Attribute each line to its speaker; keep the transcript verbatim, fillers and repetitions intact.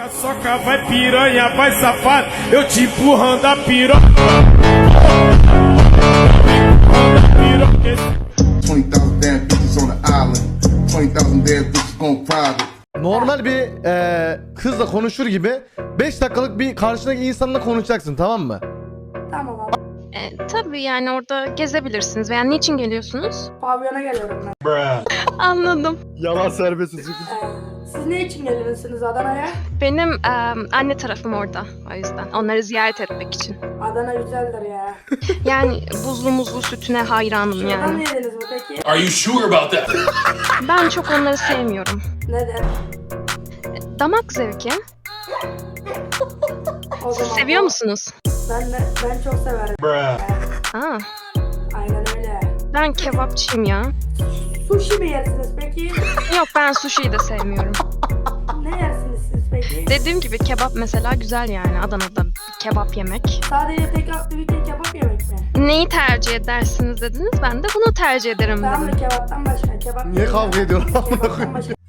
Speaker 1: Soca, soca, vai piranha, vai safado, eu te empurrando a piroca.
Speaker 2: twenty thousand damn bitches on the island. twenty thousand damn bitches gone private.
Speaker 3: Normal bir eee kızla konuşur gibi beş dakikalık bir karşındaki insanla konuşacaksın, tamam mı?
Speaker 4: Tamam abi.
Speaker 5: E, tabii yani orada gezebilirsiniz. Veya niçin geliyorsunuz?
Speaker 4: Pavyona geliyorum ben.
Speaker 5: Anladım.
Speaker 3: Yalan serbest.
Speaker 4: Ee, siz ne için geliyorsunuz Adana'ya?
Speaker 5: Benim e, anne tarafım orada. O yüzden. Onları ziyaret etmek için.
Speaker 4: Adana güzeldir ya.
Speaker 5: Yani buzlu muzlu sütüne hayranım
Speaker 4: Şuradan
Speaker 5: yani.
Speaker 4: yediniz mi peki?
Speaker 6: Are you sure about that?
Speaker 5: Ben çok onları sevmiyorum.
Speaker 4: Neden?
Speaker 5: Damak zevki.
Speaker 4: O
Speaker 5: Siz
Speaker 4: zaman
Speaker 5: seviyor musunuz?
Speaker 4: Ben de, ben çok severim.
Speaker 5: Aa,
Speaker 4: Aynen öyle.
Speaker 5: ben kebapçıyım ya.
Speaker 4: Sushi mi yersiniz peki?
Speaker 5: Yok, ben sushi'yi de sevmiyorum.
Speaker 4: Ne yersiniz siz peki?
Speaker 5: Dediğim gibi kebap mesela güzel yani. Adana'da bir kebap yemek.
Speaker 4: Sadece tek aktivite kebap yemek mi?
Speaker 5: Neyi tercih edersiniz dediniz. Ben de bunu tercih ederim
Speaker 4: Tamam
Speaker 5: dedim.
Speaker 4: mı kebaptan başka? Kebap
Speaker 3: Niye kavga ediyorlar?
Speaker 4: Kebaptan başka.